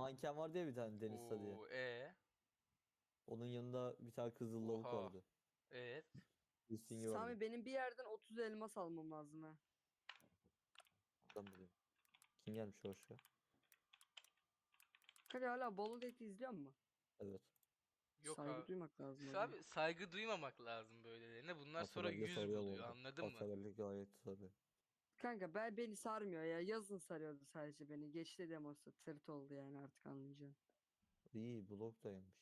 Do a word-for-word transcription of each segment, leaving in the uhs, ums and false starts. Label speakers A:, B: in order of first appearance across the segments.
A: manken vardı ya bir tane Deniz diye.
B: Oo, e.
A: Onun yanında bir tane kızıl lavuk
B: Oha.
A: vardı.
B: Evet.
A: Listingi vardı.
C: Sami benim bir yerden otuz elmas almam lazım ha.
A: Ben bileyim. Kim gelmiş hoş ya?
C: Kanka hala Bolu Date'i izliyor musun?
A: Evet.
B: Yok
C: Saygı
B: abi.
C: duymak lazım
B: Sa-
C: abi.
B: Abi saygı duymamak lazım böylelerine. Bunlar sonra
A: Atabelli
B: yüz
A: sarıyor bu
B: buluyor,
A: arada.
B: anladın mı?
A: Atabelli gayet sarıyor.
C: Kanka ben beni sarmıyor ya. Yazın sarıyordu sadece beni. Geçti demosu. Tırt oldu yani artık anlayacağım.
A: İyi blok da yemiş.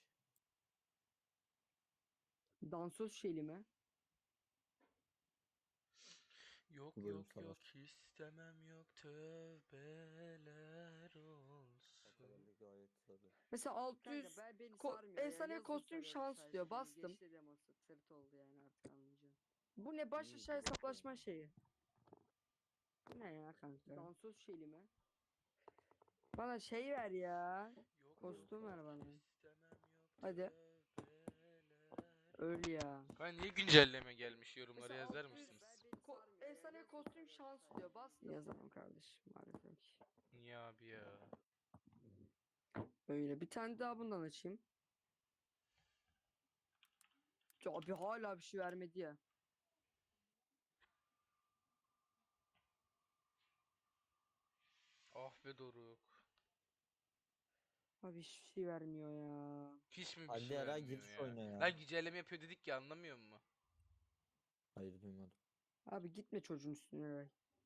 C: Dansöz şeyli mi?
B: Yok
A: Bu bölüm
B: yok
A: sarar.
B: yok istemem yok tövbeler olsun.
A: Atabelli gayet sarıyor.
C: Mesela altı yüz Kanka ben beni ko sarmıyor ya. efsane Yazın kostüm sarıyordu şans sadece diyor. beni. Bastım. Geçti demosu. Tırt oldu yani artık anlayacağım. Bu ne baş
A: İyi,
C: aşağı
A: blok da
C: hesaplaşma
A: yemiş.
C: şeyi. Bu ne ya kanka? Dansöz şeyli mi? Bana şey ver ya.
B: Yok
C: Kostüm
B: yok
C: ver
B: yok
C: bana.
B: istemem yok
C: Hadi.
B: tövbeler.
C: Öl ya.
B: Kanka niye güncelleme gelmiş, yorumlara
C: Mesela
B: yazar
C: altı yüz
B: mısınız?
C: Ko efsane kostüm şans diyor. Bastım. Yazamam kardeşim maalesef ki.
B: Niye abi ya?
C: Öyle bir tane daha bundan açayım. Ya abi hala bir şey vermedi ya.
B: Ah be Doruk.
C: Abi hiçbir şey vermiyor ya.
B: Hiç mi bir
A: Hadi
B: şey
A: Eray
B: vermiyor
A: gir şu
B: ya?
A: oyuna ya.
B: Lan güncelleme yapıyor dedik ya, anlamıyor musun?
A: Hayır duymadım.
C: Abi gitme çocuğun üstüne Eray.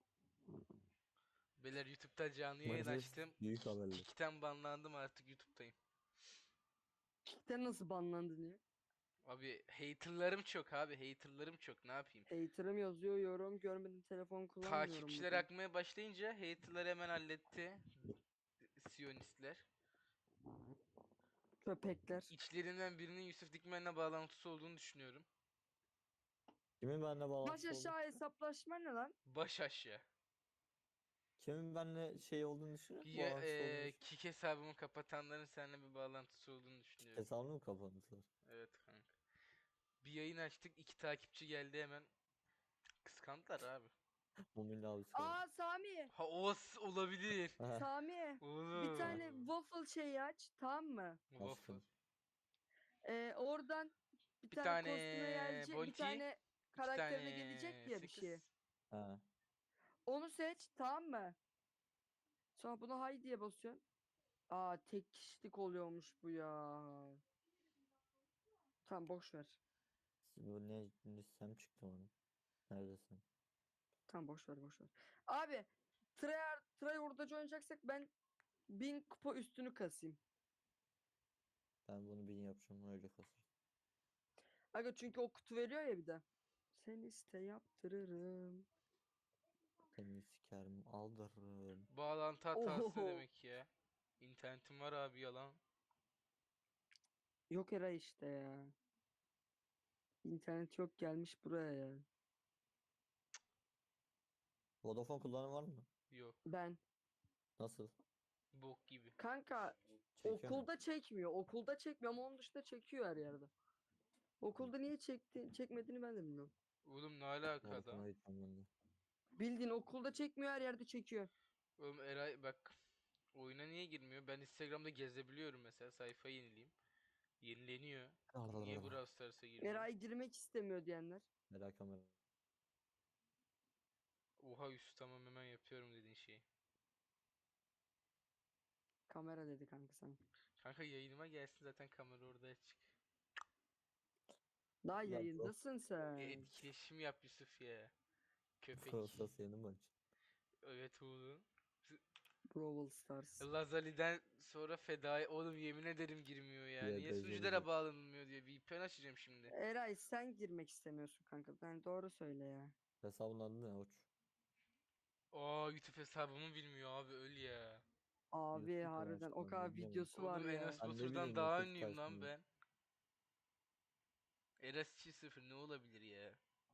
B: Beyler YouTube'da canlı yayın
A: Maalesef
B: açtım.
A: büyük haberler.
B: Kik'ten banlandım, artık YouTube'dayım.
C: Kick'ten nasıl banlandın ya?
B: Abi haterlarım çok abi, haterlarım çok, ne yapayım?
C: Hater'ım yazıyor yorum görmedim telefon kullanmıyorum
B: Takipçiler
C: bugün.
B: akmaya başlayınca haterlar hemen halletti. Siyonistler.
C: Köpekler.
B: İçlerinden birinin Yusuf Dikmen'le bağlantısı olduğunu düşünüyorum.
A: Kimin benimle
C: Baş
A: bağlantısı oldu?
C: aşağı hesaplaşma ne lan?
B: Baş aşağı.
A: Kimin benimle şey olduğunu düşünüyor?
B: Ya,
A: Bağlantısı olduğunu
B: eee
A: düşünüyor.
B: Kik hesabımı kapatanların seninle bir bağlantısı olduğunu düşünüyorum.
A: Hesabını mı kapandılar?
B: Evet kanka. Bir yayın açtık, iki takipçi geldi hemen. Kıskandılar abi.
A: Mumilla abisi kaldı.
C: Aa Sami.
B: Ha, o s- olabilir.
A: Aha,
C: Sami. Bir tane
B: Oğlum.
C: waffle şeyi aç tamam mı?
B: Waffle.
A: açtım.
C: Ee, oradan bir,
B: Bir
C: tane,
B: tane
C: kostüme gelecek, bir
B: Bounty,
C: tane
B: iki
C: karakterine gelecek
B: tane
C: ya bir şey.
B: sakız.
A: Ha.
C: Onu seç tamam mı? Sonra buna hay diye basıyorsun. Aa tek kişilik oluyormuş bu ya. Tamam boş ver.
A: Bu ne? Listem çıktı bana. Neredesin?
C: Tamam boş ver boş ver. Abi tryhard try hurdacı oynayacaksak ben bin kupa üstünü kasayım.
A: Ben bunu bin yapacağım öyle kasır.
C: Aga çünkü o kutu veriyor ya bir de. Sen iste yaptırırım.
A: Seni sikerim aldırırım.
B: Bağlantı hatası ne
C: Oho.
B: demek ya? İnternetim var abi, yalan.
C: Yok era işte ya. İnternet yok gelmiş buraya ya.
A: Vodafone kullanan var mı?
B: Yok.
C: Ben.
A: Nasıl?
B: Bok gibi.
C: Kanka
A: Çekiyor mu?
C: okulda çekmiyor. Okulda çekmiyor ama onun dışında çekiyor her yerde. Okulda niye çekti, çekmediğini ben de bilmiyorum.
B: Oğlum ne alaka adam?
A: Vodafone'a gideceğim ben de.
C: Bildiğin okulda çekmiyor her yerde çekiyor.
B: Oğlum Eray bak. Oyuna niye girmiyor? Ben Instagram'da gezebiliyorum mesela. Sayfa yenileyim. Yenileniyor. Niye Brawl Stars'a girmiyor?
C: Eray girmek istemiyor diyenler.
A: Merak kamera.
B: Oha Yusuf, tamam hemen yapıyorum dediğin şeyi.
C: Kamera dedi kanka sana.
B: Kanka yayınıma gelsin, zaten kamera orada açık.
C: Daha
A: Ya bro.
C: yayındasın
B: E,
C: sen.
B: etkileşim yap Yusuf ya. Köpek.
A: Fransız yeni maç.
B: Evet oğlum.
C: Brawl Stars.
B: Lazali'den sonra fedai. Oğlum yemin ederim girmiyor ya.
A: Diğer
B: Niye
A: Beyza
B: sunuculara
A: olacak.
B: bağlanılmıyor diye. V P N açacağım şimdi.
C: Eray sen girmek istemiyorsun kanka. Ben doğru söyle ya.
A: Hesabın adı ne Oç?
B: Aa, YouTube hesabımı bilmiyor abi, öl ya.
C: Abi
A: YouTube mu
C: harbiden o
A: açtın?
C: kadar
A: Ne bileyim.
C: videosu var
B: Oğlum
C: ya.
B: Enes
A: Ben ne
B: Batur'dan
A: bileyim
B: daha
A: YouTube
B: ünlüyüm lan
A: sayesinde.
B: ben. Enes iki sıfır ne olabilir ya?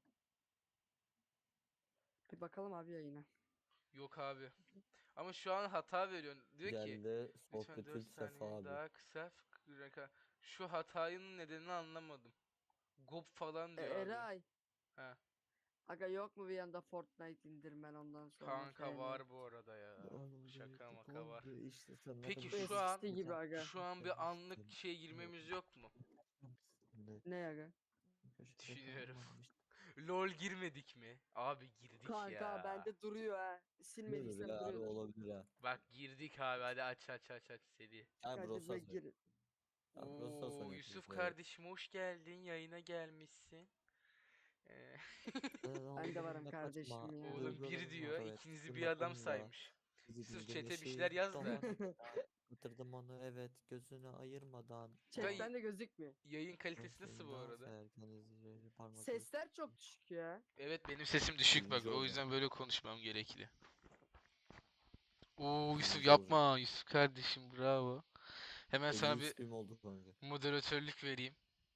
C: Bir bakalım abi yayına.
B: Yok abi. Ama şu an hata veriyor. Diyor ki
A: Geldi
B: lütfen dört
A: Sokrates Sefa
B: saniye
A: abi.
B: daha kısa fıkra- Şu hatanın nedenini anlamadım. Gop falan
C: E,
B: diyor abi.
C: Eray
B: Ha.
C: Aga yok mu bir yanda Fortnite indirmen ondan sonra
B: Kanka
C: F M?
B: var bu arada ya.
A: Oğlum
B: Şaka
A: bu
B: maka var.
A: oldu işte sana
B: Peki
A: da
B: şu an
C: Eskisi gibi aga.
B: şu an bir anlık şeye girmemiz yok mu?
C: Ne aga?
B: Düşünüyorum. LOL girmedik mi? Abi girdik
C: Kanka
B: ya.
C: bende duruyor ha.
A: Olabilir
C: Silmediysem
A: ya, harbi
C: duruyordur.
A: olabilir ha.
B: Bak girdik abi, hadi aç aç aç aç seri.
A: Yani
C: Hadi
A: Brosas
C: be
A: oynuyor.
C: gir.
A: Ya Brosas
B: Oo
A: oynuyor
B: Yusuf
A: kanka, evet.
B: kardeşim hoş geldin, yayına gelmişsin. Ee,
C: Ben de varım
A: Dağlarında kaçma,
C: kardeşim ya.
B: Oğlum bir
A: duygularım
B: diyor,
A: var, evet.
B: ikinizi bir adam
A: Tırnaklarımda
B: saymış.
A: bizi
B: Yusuf
A: bildiğim
B: chat'e bir
A: şeyi
B: şeyler yaz da.
A: dolanımda batırdım onu, evet, gözünü ayırmadan.
B: Kay-
C: Chatten de gözükmüyor.
B: Yayın kalitesi nasıl bu arada?
A: Parmakları
C: Sesler çok düşük ya.
B: Evet benim sesim düşük bak,
A: Birinci
B: o
A: olacağım.
B: yüzden böyle konuşmam gerekli. Oo Yusuf
A: Birinci
B: yapma, Yusuf kardeşim bravo. Hemen sana
A: elli
B: bir
A: X P'm oldu kanka.
B: moderatörlük vereyim.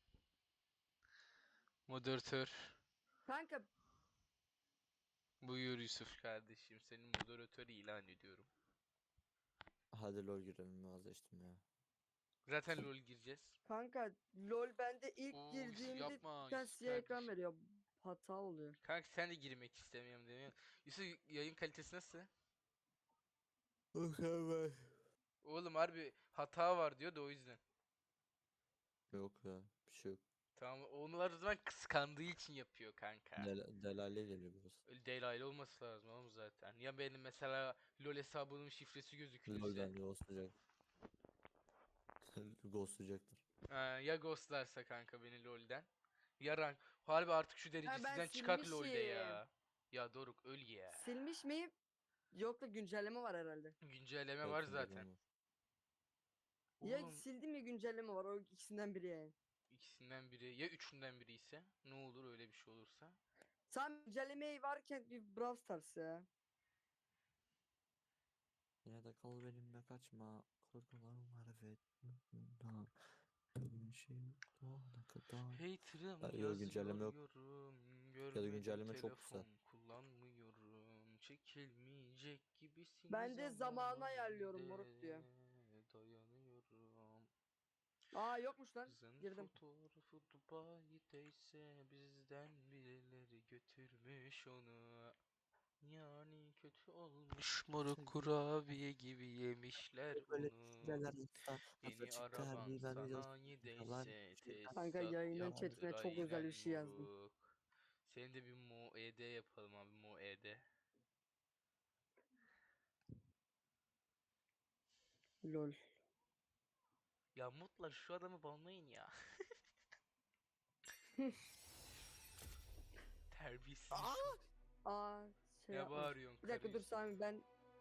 B: Moderatör.
C: Kanka
B: Buyur Yusuf kardeşim, seni moderatör ilan ediyorum.
A: Hadi LoL girelim, vazgeçtim ya.
B: Zaten LoL gireceğiz.
C: kanka LoL bende ilk
B: Oo, Yusuf
C: girdiğimde
B: yapma,
C: bir tane
B: Yusuf
C: siyah ekran
B: kardeşim.
C: veriyor. Hata oluyor.
B: Kanka sen de girmek istemiyorum demiyor. Yusuf yayın kalitesi nasıl?
A: Mükemmel.
B: Oğlum harbi hata var diyor da o yüzden.
A: Yok ya, bir şey yok.
B: Tamam, onlar o zaman kıskandığı için yapıyor kanka.
A: Del Delale geliyor biraz.
B: Öyle değil olması lazım oğlum zaten. Ya benim mesela LoL hesabımın şifresi
A: LoL
B: gözükürse.
A: bence ghostlayacak. Ghostlayacaktır.
B: Ee, ya ghostlarsa kanka beni LoL'den. Ya rank. Harbi artık şu
C: Ha ben
B: derecesizden çıkak LoL'de
C: silmişim.
B: ya. Ya Doruk öl ya.
C: Silmiş miyim? Yok da güncelleme var herhalde.
B: Güncelleme var
A: Evet,
B: zaten.
A: var.
C: Ya
B: Oğlum
C: sildim ya güncelleme var. O ikisinden biri yani.
B: ikisinden biri ya üçünden biri ise ne olur öyle bir şey olursa.
C: Sen güncellemeyi varken bir Brawl Stars ya.
A: Yine de kal benimle, kaçma. Korkularım var, evet. Bir şey doğana kadar.
B: Hater'ım
A: Ha, yok,
B: yazıyor
A: güncelleme yok.
B: yorum.
A: Ya da
B: Görmedim
A: güncelleme çok kısa.
B: telefon kullanmıyorum. Çekilmeyecek gibisin
C: Ben de zamanı
B: zaman
C: ayarlıyorum
B: yine
C: moruk diyor.
B: de dayanıyorum.
C: Aa yokmuş lan.
B: Kızın
C: Girdim.
B: fotoğrafı Dubai'deyse bizden birileri götürmüş onu. Yani kötü olmuş moruk, kurabiye gibi yemişler
A: Böyle
B: onu.
A: şeyler yapsa nasıl
B: Yeni
A: çıkar
B: araban
A: bir ben videosu falan.
B: sanayideyse
C: Kanka
B: tesisat
C: yayının
B: yaptır
C: chatine çok özel
B: aynen
C: bir şey yazdım.
B: moruk. Senin de bir Mo E D yapalım abi, Mo E D.
C: Lol.
B: Ya Mutlar şu adamı banlayın ya. Terbiyesiz insan.
C: Aa şey
B: Ne
C: yapmamış.
B: bağırıyorsun
C: Bir dakika dur
B: karıysa?
C: Sami ben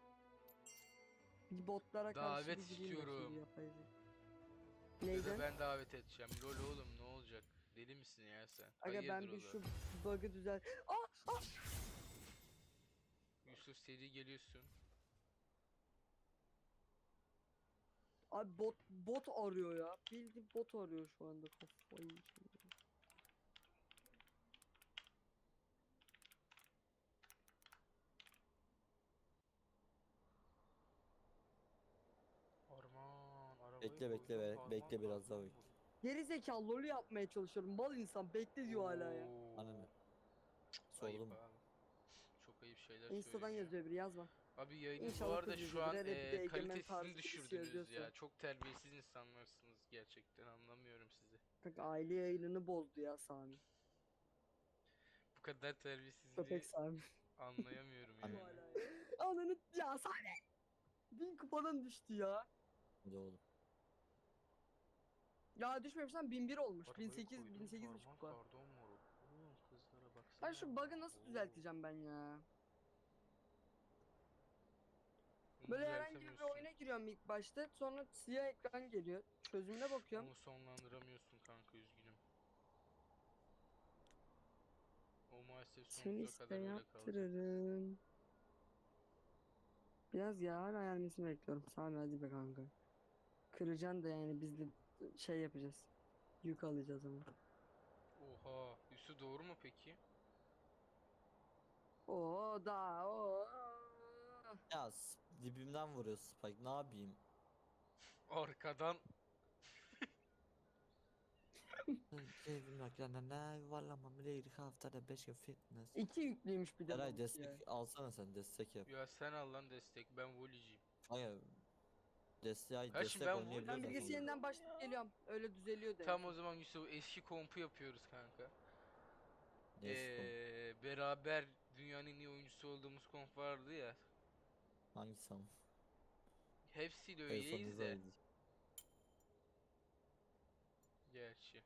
C: bir botlara karşı
B: Davet
C: bir gireyim bakayım
B: istiyorum.
C: bir yapayım.
B: Ya da
C: Neyden?
B: ben davet edeceğim. Lol oğlum ne olacak? Deli misin ya sen?
C: Aga
B: Hayırdır
C: ben bir
B: oğlum?
C: şu bug'ı düzel... Aa! Aa!
B: Yusuf seri geliyorsun.
C: Abi bot bot arıyor ya. Bildiğin bot arıyor şu anda kafayı yiyeceğim.
B: Arman, arabayı
A: Bekle bekle
B: koydum,
A: be,
B: harman
A: bekle biraz daha
B: kardon
A: bekle.
B: vurdu.
C: Geri zekalı lolü yapmaya çalışıyorum. Mal insan bekle diyor hala ya.
B: Oo,
A: Ananı.
B: ayıp
A: Sordum.
B: abi. Çok ayıp şeyler
C: Insta'dan
B: söyleniyor.
C: yazıyor biri yazma.
B: Abi yayının bu
C: İnşallah
B: arada
C: kız
B: şu
C: yüzüdür.
B: an
C: Hele bir de
B: eee
C: egemen
B: kalitesini
C: tarzı birisi
B: düşürdünüz
C: yazıyorsa.
B: ya. Çok terbiyesiz insanlarsınız gerçekten, anlamıyorum sizi.
C: Kanka aile yayınını bozdu ya Sami.
B: Bu kadar
C: Köpek
B: terbiyesizliği
C: Sami.
B: anlayamıyorum
A: Anne.
C: Bu
B: yani.
C: hala ya. Ananı ya Sami. Bin kupadan düştü ya.
A: Hadi oğlum.
C: Ya düşmemiş lan bin bir olmuş.
B: Arabayı
C: bin sekiz
B: koydum,
C: bin sekiz buçuk
B: harman
C: kupa.
B: kardon moruk. Oğlum kızlara
C: Ben
B: baksana.
C: şu bug'ı nasıl
B: Oo.
C: düzelteceğim ben ya?
B: Bunu
C: Böyle herhangi bir
B: düzeltemiyorsun.
C: oyuna giriyorum ilk başta. Sonra siyah ekran geliyor. Çözümüne bakıyorum.
B: Onu sonlandıramıyorsun kanka, üzgünüm. O maalesef
C: Seni
B: sonsuza
C: işte
B: kadar öyle kalacak.
C: yaptırırım. Biraz yağar ayarmasını bekliyorum. Sami hadi be kanka. Kıracaksın da yani biz de şey yapacağız. Yük alacağız ama.
B: Oha. Üstü doğru mu peki?
C: Oo da o.
A: Ya s- dibimden vuruyor Spike, ne yapayım?
B: Arkadan
A: Keyfim yok yani ne yuvarlamam bile ilk haftada beş gün fitness.
C: İki yüklüymüş bir de
A: Eray
C: benimki
A: destek
C: ya.
A: alsana sen destek yap.
B: Ya sen al lan destek. Ben voliciyim.
A: Hayır destek,
B: Ha şimdi
A: destek
B: ben
A: oynayabiliyoruz
C: Ben
B: volley
C: bilgisi
A: aslında.
C: yeniden
B: diyorum
C: başlayıp
B: ya.
C: geliyorum. Öyle düzeliyor
B: Tam
C: demek.
B: o zaman Yusuf eski kompu yapıyoruz kanka.
A: Ne eski konu?
B: Ee, beraber dünyanın en iyi oyuncusu olduğumuz komp vardı ya.
A: Hangisi ama?
B: Hepsiyle
A: En son
B: öyleyiz de.
A: izledik.
B: Gerçi.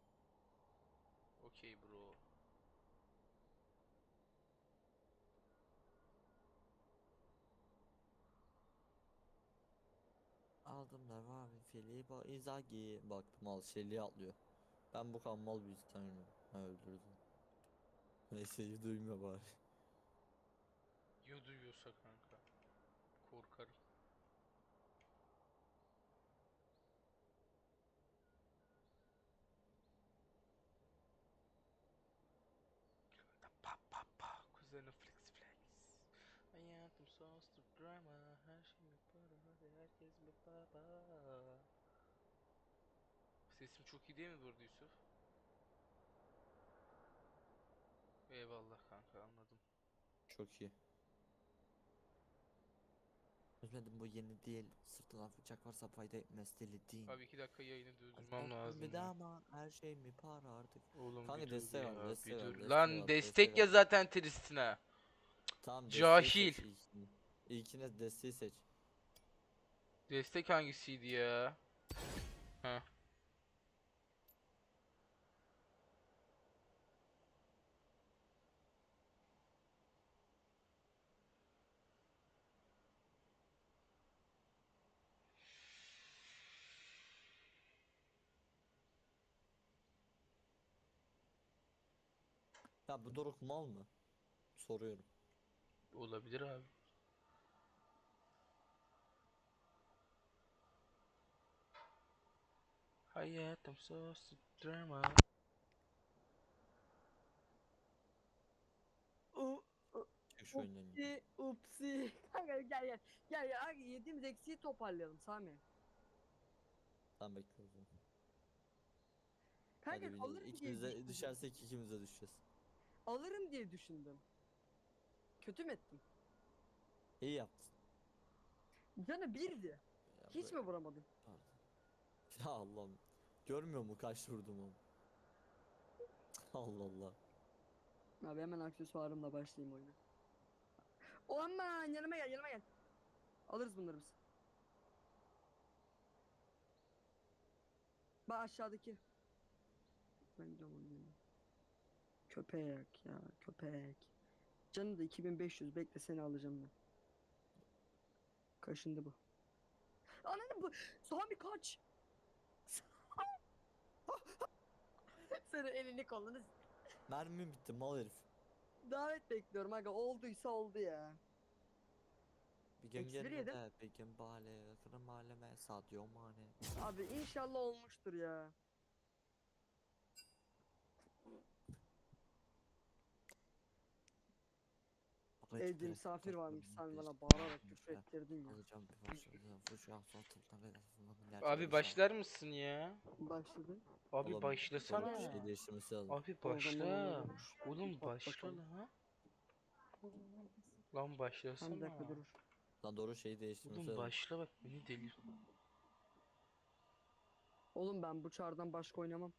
B: Okey bro.
A: Aldım da var bir Filippo Inzaghi. Bak mal Şeli atlıyor. Ben bu kan mal bir insan ha, öldürdüm. Neyse iyi duymuyor bari.
B: Ya duyuyorsa kanka. Korkarım. Pa pa pa. Kuzenim flex flex. Hayatım sonsuz drama. Her şey para. Hadi herkes bir baba. Sesim çok iyi değil mi burada Yusuf? Eyvallah kanka anladım.
A: Çok iyi. Üzmedim bu yeni değil. Sırtına bıçak varsa fayda etmez deli değil.
B: Abi iki dakika yayını durdurmam
A: Azaptan bir
B: lazım
A: daha
B: ya.
A: ama her şey mi para artık.
B: Oğlum bir
A: Kanka
B: dur
A: destek al
B: ya bir
A: destek
B: dur.
A: al destek
B: Lan
A: al destek
B: destek ya
A: al.
B: zaten Tristina.
A: Tamam desteği
B: Cahil.
A: seç ilkini. İlkine desteği seç.
B: Destek hangisiydi ya? Heh.
A: Ya bu Doruk mal mı? Soruyorum.
B: Olabilir abi. Hayatım sonsuz drama.
C: U- u-
A: Çık şu oyundan.
C: Upsi upsi. Kanka gel gel. Gel gel. Abi yediğimiz eksiği toparlayalım Sami.
A: Tamam bekliyoruz. onu.
C: Kanka
A: Hadi bir
C: alırım diye
A: ikimize
C: düşündüm.
A: düşersek ikimize düşeceğiz.
C: Alırım diye düşündüm. Kötü mü ettim?
A: İyi yaptın.
C: Canı birdi.
A: Ya
C: Hiç
A: böyle-
C: mi vuramadın?
A: Pardon. Ya Allah'ım. Görmüyor mu kaç vurdum onu? Allah Allah.
C: Abi hemen aksesuarımla başlayayım oyuna. O aman yanıma gel yanıma gel. Alırız bunları biz. Bak aşağıdaki. Ben gidiyorum onun yanına. Köpek ya köpek. Canı da iki bin beş yüz bekle seni alacağım ben. Kaşındı bu. Ananı bu. Sami kaç. Senin elini kolunu.
A: Mermim bitti mal herif.
C: Davet bekliyorum aga olduysa oldu ya.
A: Bir gün
C: Eksi bir yedim.
A: gelmede bir gün bale kırım aleme Sadio Mane.
C: Abi inşallah olmuştur ya. Evde misafir varmış sen bana bağırarak küfür ettirdin ya.
A: Alacağım bir başladı. Fuşa satıldan
B: Abi başlar mısın ya?
C: Başladı.
B: Abi başlasana.
A: Şey değiştirmesi lazım.
B: Abi
C: O zaman
B: başla.
C: olur.
B: Oğlum
C: Bak
B: başla
C: bakalım.
B: lan. Lan
C: Tam bir
B: başlasana.
C: dakika durur.
A: Lan doğru şeyi değiştirmesi
B: Oğlum
A: lazım.
B: başla bak beni delir.
C: Oğlum ben bu çardan başka oynamam.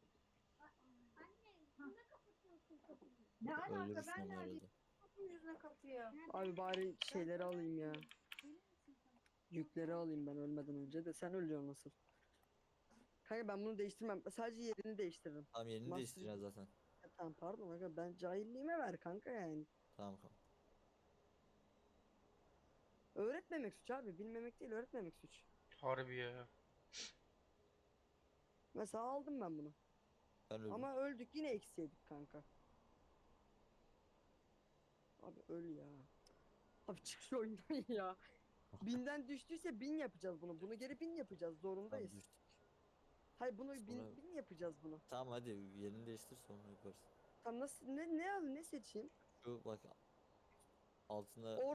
D: Ne alaka
A: Öldürürsün
D: ben
A: onu
D: neredeyim?
A: arada.
D: Kapının yüzüne kapıyor.
C: Abi bari şeyleri alayım ya. Yükleri alayım ben ölmeden önce de sen ölüyorsun nasıl? Kanka ben bunu değiştirmem. Sadece yerini değiştiririm.
A: Tamam yerini
C: Master-
A: değiştireceğiz zaten.
C: Ya tamam pardon aga ben cahilliğime ver kanka yani.
A: Tamam tamam.
C: Öğretmemek suç abi. Bilmemek değil öğretmemek suç.
B: Harbi ya.
C: Mesela aldım ben bunu.
A: Ben öldüm.
C: Ama öldük yine eksi yedik kanka. Abi öl ya. Abi çık şu oyundan ya. Binden düştüyse bin yapacağız bunu. Bunu geri bin yapacağız. Zorundayız.
A: Tamam düştük.
C: Hayır bunu
A: Sonra-
C: bin, bin yapacağız bunu.
A: Tamam hadi yerini değiştir sonra yaparız.
C: Tam nasıl ne ne al ne seçeyim?
A: Şu bak altında